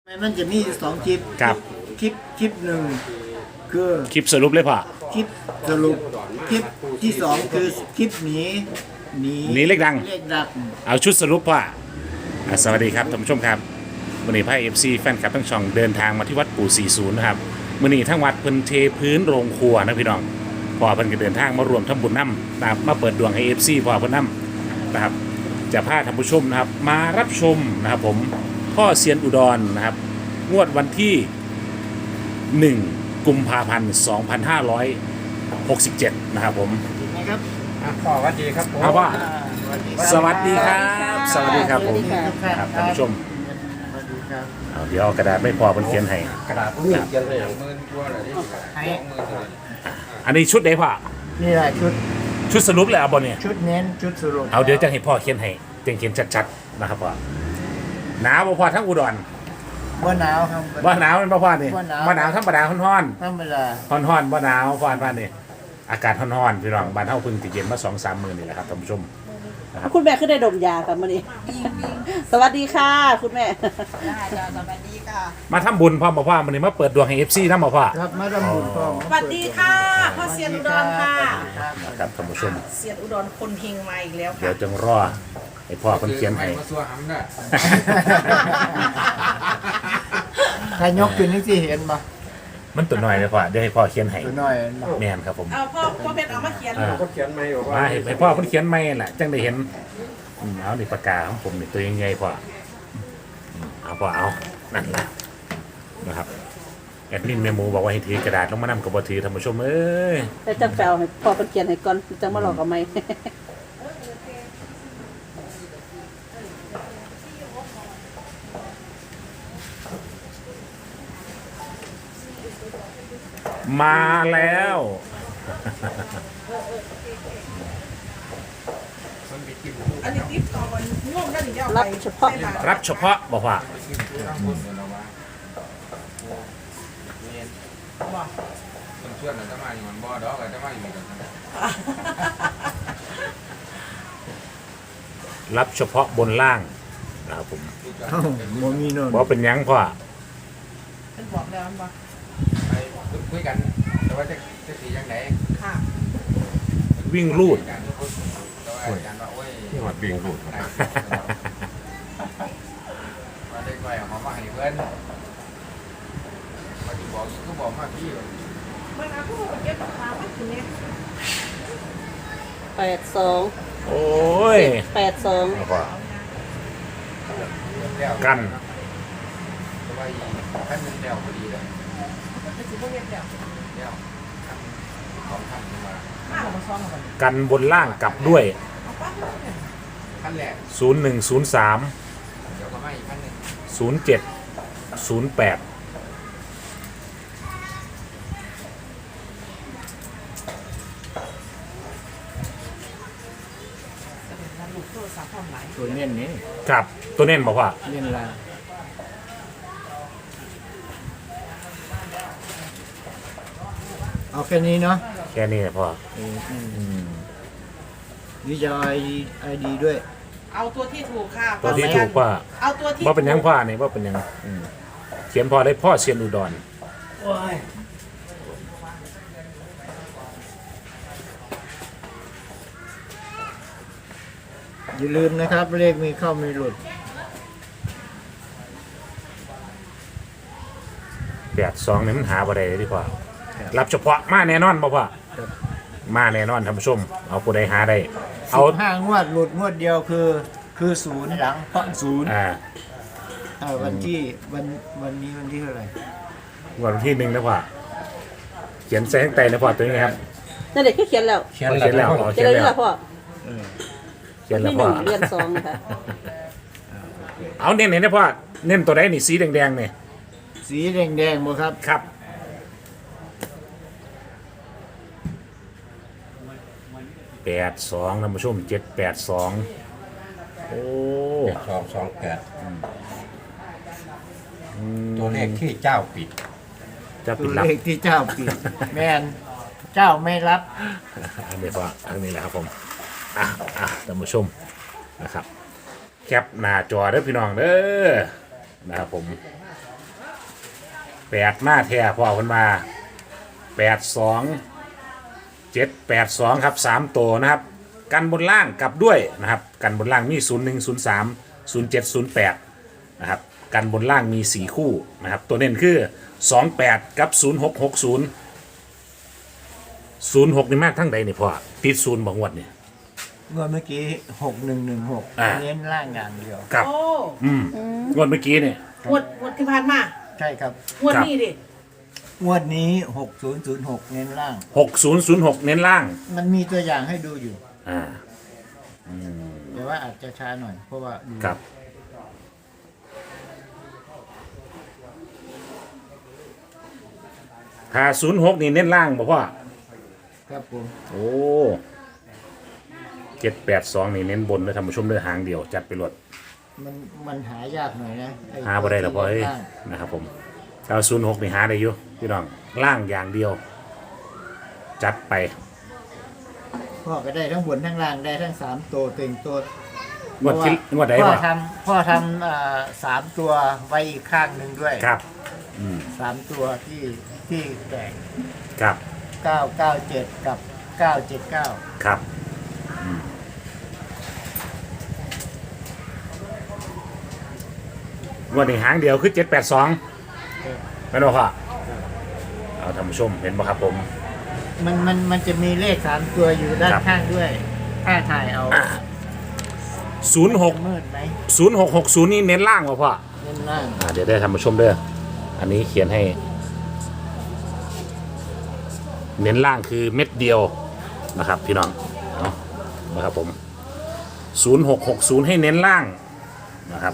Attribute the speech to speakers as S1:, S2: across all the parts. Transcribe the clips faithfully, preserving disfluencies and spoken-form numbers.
S1: มันจะมีสองคลิป
S2: ครับ
S1: คลิปคลิปหนึ่งคือ
S2: คลิปสรุปเลยพ่อ
S1: คลิปสรุปคลิปที่สองคือคลิปหนีหนี
S2: หนีเลขดัง
S1: เลขดัง
S2: เอาชุดสรุปพ่ออ่ะสวัสดีครับท่านผู้ชมครับวันนี้พายเอฟซีแฟนคลับทั้งช่องเดินทางมาที่วัดปู่สี่สิบนะครับวันนี้ทั้งวัดเพิ่นเทพื้นโรงครัวนะพี่น้องพ่อเพิ่นก็เดินทางมารวมทำบุญน้ำนะครับมาเปิดดวงให้เอฟซีพ่อเพิ่นน้ำนะครับจะพาท่านผู้ชมนะครับมารับชมนะครับผมพ่อเซียนอุดรนะครับงวดวันที่หนึ่งกุมภาพันธ์สองพันห้าร้อยหกสิบเจ็ดนะครับผม
S1: นะครับ
S3: อ่ะขอสวัสดีครับผม
S2: เอาว่า
S1: อ่าส
S2: ส
S1: วั
S2: วั
S1: ส
S2: ส
S1: ดี
S2: ดี
S1: ค
S2: ค
S1: รั
S2: รับ บ สวัสดีครับผม
S1: ทุกท่าน
S2: ครับท่านผู้ชม
S1: สวัสดีครับ
S2: เอาเดี๋ยวเอากระดาษไม่พอเพิ่นเขียนให้
S3: กระดาษนี่เขียนเลยอย่างหมื่นกว่าเลยที่สองหมื่นเลย
S2: อันนี้ชุดไหนพ่อ
S1: นี่แหละชุด
S2: ชุดสรุปเลยเอาบ่เนี่ย
S1: ชุดเน้นชุดสรุป
S2: เอาเดี๋ยวจะให้พ่อเขียนให้เขียนเขียนชัดๆนะครับพ่อหนาวบ่พ่อทั้งอุดร
S1: ว่าหนาวครับ
S2: บ่หนาวเป็นบ่พ่อนี่
S1: บ่หนาว
S2: บ่หนาวธรรมดาร้อน
S1: ธรรมดา
S2: ๆร้อนๆบ่หนาวพ่อบ้านนี่อากาศร้อนๆพี่น้องบ้านเฮาเพิ่งสิเย็นมา สองสาม มื้อนี่แหละครับท่านผู้ชม
S4: คุณแม่ขึ้นได้ดมยาค่ะมื่อนี้ สวัสดีค่ะ คุณแม่
S5: ได้จ้าสวัสดีค่ะ
S2: มาทำบุญพ่อบ่พ่อมื้อนี้มาเปิดดวงให้ เอฟ ซี นำบ่พ่อ
S1: ครับมาทำบุญพ่อ
S5: สวัสดีค่ะพ่อเซียนอุดรค่ะ
S2: นะครับท่านผู้ชม
S5: เซียนอุดรคนเฮงมาอีกแล้ว
S2: เดี๋ย
S5: ค่ะ
S2: วจึงรอให้พ่อเพิ่นเขียนให้
S3: มาซัวหำน่ะ
S1: ถ้ายกขึ้นนี่สิเห็นปะ
S2: มันตัวน้อยเลยพ่อเดี๋ยวให้พ่อเขียนให้
S1: ตัวน้อยเนาะ
S2: แม่นครับผม
S5: เอาพ่อพ่อเพชรเอามาเขียน
S2: อ่า
S3: ก็เขียนไม่บอกว่า
S2: มาให้ให้พ่อเพิ่นเขียนไม่แหละจังได้เห็นอืมเอานี่ปากกาของผมนี่ตัวยังไงพ่ออืมเอาพ่อเอานั่นแหละนะครับแอดมินแม่หมูบอกว่าให้ถือกระดาษลงมานำกับบ่ถือท่านผู้ชมเอ้ย
S4: แต่จะแปลให้พอเป็นเขียนให้ก่อนจังมาหลอกกับไม่
S2: มาแล้ว
S5: อันนี้ติ๊บต่อวันง่วงได้หรือยัง
S4: รับเฉพาะ
S2: รับเฉพาะบอกว่า
S3: คนชวนจะมาอยู่มันบ่ดอกจะมาอยู่กัน
S2: รับเฉพาะบนล่างนะครับผม
S1: เอ้าโมมีโน่น
S2: บอกเป็นหยังพ่อ
S5: เป็นบอกแล้วมันบอก
S3: ไปคุยกันแต่ว่าจะจะสียังไง
S5: ค่ะ
S2: วิ่งรูด
S3: กันแต่ว่าอาจารย์ว่าโอ้ย
S2: ที่วัดวิ่งรูด
S3: ว่าได้ไปเอามาให้เพื่อนมาที่บอกก็บอกมาพี่
S5: มันเอาพวกเก็บปากกาไว้ถึงเนี่ย
S4: แปดสอง
S2: โอ้ย
S4: แปดสอง
S2: เอาพ่อ
S3: แล้ว
S2: กัน
S3: แต่ว่าขั้นนึงแล้วพอดีเลย
S5: มันสิพวกเก็บเดี๋ยว
S3: แล้วของขั้นมา
S5: มาเอามาซ้อนกัน
S2: กันบนล่างกลับด้วย
S5: เอาปั๊บเนี่ย
S3: ขั้นแรก
S2: ศูนย์หนึ่งศูนย์สาม
S3: เดี๋ยวก็มาอีกขั้นหนึ่ง
S2: ศูนย์เจ็ดศูนย์แปด
S5: มันหลุดโทรศัพท์ความหมาย
S1: ตัวเน้นนี่
S2: ครับตัวเน้นบอกว่า
S1: เน้นลาเอาแค่นี้เนาะ
S2: แค่นี้แหละพ่อ
S1: เอออืมนี่จะไอไอดีด้วย
S5: เอาตัวที่ถูกค่ะ
S2: ตัวที่ถูกว่า
S5: เอาตัวที่
S2: ว่าเป็นหยังพ่อนี่ว่าเป็นหยังอืมเขียนพ่อได้พ่อเซียนอุดร
S1: อย่าลืมนะครับ เลขมีเข้ามีหลุด
S2: แปดสองนี่มันหาบ่ได้เลยดีกว่ารับเฉพาะมาแน่นอนบ่พ่อ
S1: ครับ
S2: มาแน่นอนท่านผู้ชม เอาผู้ใดหาได้ เอา
S1: สิบห้างวดหลุดงวดเดียวคือ คือศูนย์หลังเพราะศูนย์
S2: อ่า
S1: อ่าวันที่วันวันนี้วันที่เท่าไหร่
S2: วันที่หนึ่งนะพ่อเขียนใส่ข้างใต้นะพ่อตัวนี้ครับ
S4: นั่นเด็กก็เขียนแล้ว
S2: เขียนเขียนแล้วอ๋อ
S4: เขี
S2: เขี
S4: ย
S2: ย
S4: น
S2: น
S4: แล้ว
S2: แล้ว
S4: พ่อ
S1: เออ
S2: เขียนแล้ว
S4: ที่ห
S2: พ่อ
S4: นึ่งเรียนสองนะคะ
S2: เอาเน้นเน้นนะพ่อเน้นตัวใดนี่สีแดงๆเนี่ย
S1: สีแดงๆบ่ครับ
S2: ครับแปดสองท่านผู้ชมเจ็ดแปดสองโอ้
S6: สองสองแปดตัวเลขที่เจ้าปิด
S2: จะ
S1: ตั
S2: ปิด
S1: ว
S2: ลับ
S1: เลขที่เจ้าปิด แมนเจ้าไม่รับ
S2: อันนี้พ่ออันนี้แหละครับผมอ่ะอ่ะท่านผู้ชมนะครับ แคปหน้าจอเด้อพี่น้องเด้อนะครับผมแปดมาแท้พ่อคนมาแปดสองเจ็ดแปดสองครับสามตัวนะครับกันบนล่างกลับด้วยนะครับกันบนล่างมีศูนย์หนึ่งศูนย์สามศูนย์เจ็ดศูนย์แปดนะครับกันบนล่างมีสี่คู่นะครับตัวเน้นคือสองแปดกับศูนย์หกหกศูนย์ศูนย์หกนี่มากทั้งใดนี่พ่อติดศูนย์บางวดนี่
S1: งวดเมื่อกี้หกหนึ่งหนึ่งหก
S2: อ่า
S1: เน้นล่างอย่างเดียว
S2: กับ
S5: โอ้
S2: อืมงวดเมื่อกี้เนี่ย
S5: งวดงวดที่ผ่านมา
S1: ใช่ครับ
S5: งวดนี้ดิ
S1: งวดนี้หกศูนย์ศูนย์หกเน้นล่าง
S2: หกศูนย์ศูนย์หกเน้นล่าง
S1: มันมีตัวอย่างให้ดูอยู่
S2: อ่า
S1: แต่ว่าอาจจะช้าหน่อย เพราะว่าดู
S2: ครับถ้าศูนย์หกนี่เน้นล่างบอกว่า
S1: ครับผม
S2: โอ้เจ็ดแปดสองนี่เน้นบนเลยท่านผู้ชมเลือหางเดียวจัดไปรวด
S1: มันมันหายากหน่อยนะอ้
S2: หาบ่ได้หรอกพ่อเอ้ย
S1: ล่าง
S2: นะครับผมถ้าศูนย์หกนี่หาได้อยู่พี่น้องล่างอย่างเดียว จัดไป
S1: พ่อก็ได้ทั้งบนทั้งล่างได้ทั้งสามตัวเต็งตัว
S2: งวดที่งวดใด
S1: พ่อ
S2: วะ
S1: ทำพ่อทำอ่าสามตัวไว้อีกข้างหนึ่งด้วย
S2: ครับ
S1: สามตัวที่ที่แตก
S2: ครับ
S1: เก้าเก้าเจ็ดกับเก้าเจ็ดเก้า
S2: ครับอืมงวดนี้หางเดียวคือเจ็ดแปดสองไม่รู้ค่ะเอาท่านผู้ชมเห็นป่ะครับผม
S1: มันมันมันจะมีเลขสามตัวอยู่ด้าน
S2: ครับ
S1: ข้างด้วย ถ้าถ่ายเอา
S2: ศูนย์หก
S1: มืดไหม
S2: ศูนย์หกหกศูนย์นี่เน้นล่างป่ะพ่อ
S1: เล่นล่าง
S2: อ่าเดี๋ยวได้ท่านผู้ชมเด้ออันนี้เขียนให้ เน้นล่างคือเม็ดเดียวนะครับพี่น้องเนาะนะครับผมศูนย์หกหกศูนย์ให้เน้นล่างนะครับ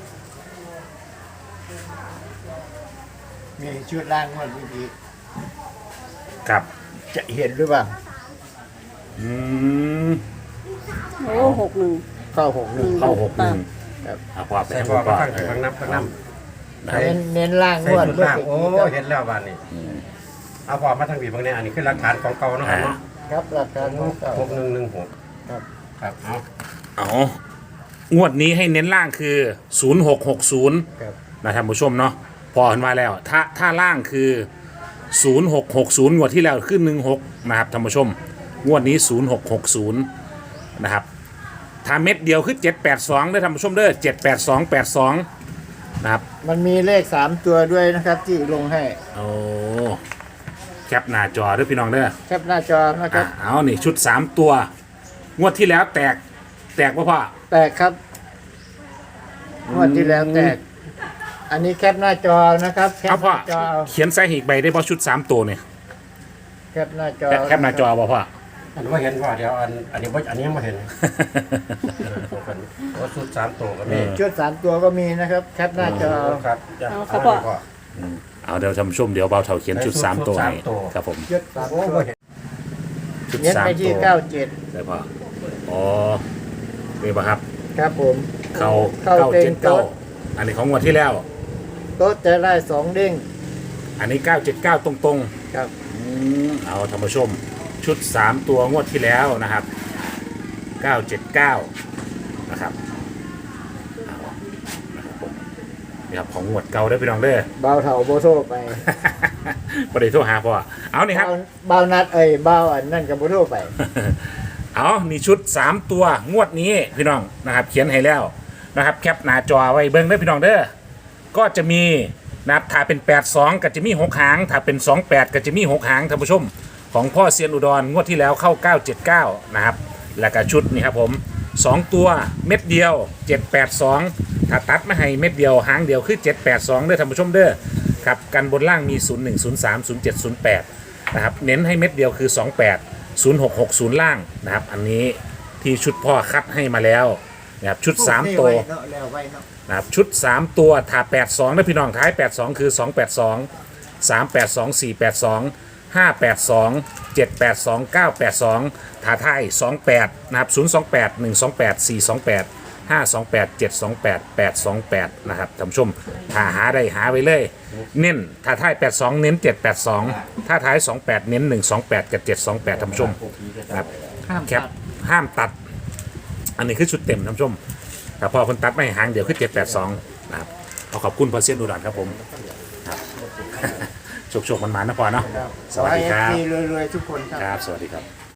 S1: มีชุดล่างงวดเมื่อกี้
S2: กับ
S1: จะเห็นหรือเปล่า
S2: อืม
S4: โอ้หกหนึ่ง
S1: เข้าหกหนึ่ง
S2: เข้าหกหนึ่ง
S1: ครับ
S2: เอาความไป
S6: ใส่
S2: ให้
S6: พ
S2: ผ
S6: อ
S2: ม
S6: มา
S2: ก่อน
S6: ข้างถึงข้างน้ำข้างน้ำ
S2: นะครับ
S1: เน้นเน้นล่าง
S6: ใส่
S1: งวด
S6: ชุด
S1: เมื่อ
S6: ล่าง
S1: กี้
S6: โอ้
S1: ครับ
S6: เห็นแล้วบ้านนี้เอาพอมาทางบีบางเนี่ยอันนี้คือหลักฐานของเก่าเนาะครับเนาะ
S1: ครับหลักการของเก่า
S6: หกหนึ่งหนึ่งหก
S1: ครับ
S6: ครับเอา
S2: เอางวดนี้ให้เน้นล่างคือศูนย์หกหกศูนย์
S1: ครับ
S2: นะท่านผู้ชมเนาะพอเห็นมาแล้ว ถ้าถ้าล่างคือศูนย์หกหกศูนย์งวดที่แล้วขึ้นหนึ่งหกนะครับท่านผู้ชมงวดนี้ศูนย์หกหกศูนย์นะครับถ้าเม็ดเดียวคือเจ็ดแปดสองได้ท่านผู้ชมเด้อเจ็ดแปดสองแปดสองนะครับ
S1: มันมีเลขสามตัวด้วยนะครับ ที่ลงให้
S2: โอ้แคปหน้าจอด้วยพี่น้องเด้อ
S1: แคปหน้าจอนะครั
S2: อ่ะ
S1: บ
S2: เอานี่ชุดสามตัว งวดที่แล้วแตกแตกป่ะพ่อ
S1: แตกครับงวดที่แล้วแตก อันนี้แคปหน้าจอนะครับแค
S2: เอา
S1: ปห
S2: พ่อ
S1: น้าจอเอา
S2: เขียนใส่หีกใบได้ป่ะชุดสามตัวเนี่ย
S1: แคปหน้าจอ
S2: แคปแคปหน้าจอป่ะพ่อ
S6: อันนี้ว่าเห็นว่าเดี๋ยวอันอันนี้บ่อันนี้ยังไม่เห็นเออตัวกันโอ้ชุดสามตัวก็มี
S1: ชุดสามตัวก็มีนะครับ แคปหน้าจอเอา
S6: ครับ
S4: เอาครับพ่อ
S6: พ่อ
S2: เอาเดี๋ยวท่านผู้ชมเดี๋ยวเบาเท่าเขียนชุดสามตัวให้
S6: ชุดสามตัว
S2: ครับผม
S1: ชุดสาม
S6: โอ้
S1: ตัว
S6: บ่เห็น
S2: ชุด
S1: เน้น
S2: สาม
S1: ไป
S2: ตั
S1: ที่
S2: ว
S1: เก้าเจ็ด
S2: ได้ป่ะอ๋อนี่ป่ะครับ
S1: ครับผม
S2: เขา
S1: เข้า
S2: เก้า
S1: เต็
S2: เจ็
S1: ง
S2: ดเก้า
S1: โต๊ะ
S2: อันนี้ของงวดที่แล้ว
S1: โต๊ะจะได้สองเด้ง
S2: อันนี้เก้าเจ็ดเก้าตรง
S1: ครับ
S2: ๆอืมเอาท่านผู้ชม ชุดสามตัวงวดที่แล้วนะครับเก้าเจ็ดเก้านะครับเอานะครับผมนี่ครับของงวดเก่าได้อพี่น้องเด้อ
S1: เบาเถาโบโซไป
S2: ประเดี๋ยวโทรหาพ่อเอานี่ครับ
S1: เบาเบานัดเอ้ยเบาอันนั่นกับโบโซไป
S2: เอานี่ชุดสามตัวงวดนี้พี่น้องนะครับ เขียนให้แล้วนะครับแคปหน้าจอไว้เบิ้งได้อพี่น้องเด้อก็จะมีนะครับถ้าเป็นแปดสองก็จะมีหกหางถ้าเป็นสองแปดก็จะมีหกหางท่านผู้ชมของพ่อเซียนอุดรงวดที่แล้วเข้าเก้าเจ็ดเก้านะครับแล้วก็ชุดนี่ครับผมสองตัวเม็ดเดียวเจ็ดแปดสองถ้าตัดมาให้เม็ดเดียวหางเดียวคือเจ็ดแปดสองเด้อท่านผู้ชมเด้อครับกันบนล่างมีศูนย์หนึ่งศูนย์สามศูนย์เจ็ดศูนย์แปดนะครับเน้นให้เม็ดเดียวคือสองแปดศูนย์หกหกศูนย์ล่างนะครับอันนี้ที่ชุดพ่อคัดให้มาแล้วนะครับชุดสามตัว
S1: เนาะแล้วไว้เนาะ
S2: นะครับชุดสามตัวถ้าแปดสองนะพี่น้องท้ายแปดสองคือสองแปดสอง สามแปดสอง สี่แปดสอง ห้าแปดสอง เจ็ดแปดสอง เก้าแปดสองท้าท้ายสองแปดนะครับศูนย์สองแปด หนึ่งสองแปด สี่สองแปด ห้าสองแปด เจ็ดสองแปด แปดสองแปดนะครับท่านผู้ชมถ้าหาได้หาไว้เลย เน้นถ้าท้ายแปดสองเน้นเจ็ดแปดสองถ้าท้ายสองแปดเน้นหนึ่งสองแปดกับเจ็ดสองแปดท่านผู้ชมนะครับ
S1: ห้าม
S2: แค
S1: ตั
S2: ป
S1: ด
S2: ห้ามตัด อันนี้คือชุดเต็มท่านผู้ชมแต่พอคนตัดไม่หางเดียวคือเจ็ดแปดสองนะครับเอาขอบคุณพอเซียนอุดรครับผมครับครับโชคๆมันๆนะพอเนาะ
S1: ครับ
S2: สวัสดีครับ
S1: ขอให้ เอฟซีรวยๆทุกคนครับ
S2: ครับ สวัสดีครับ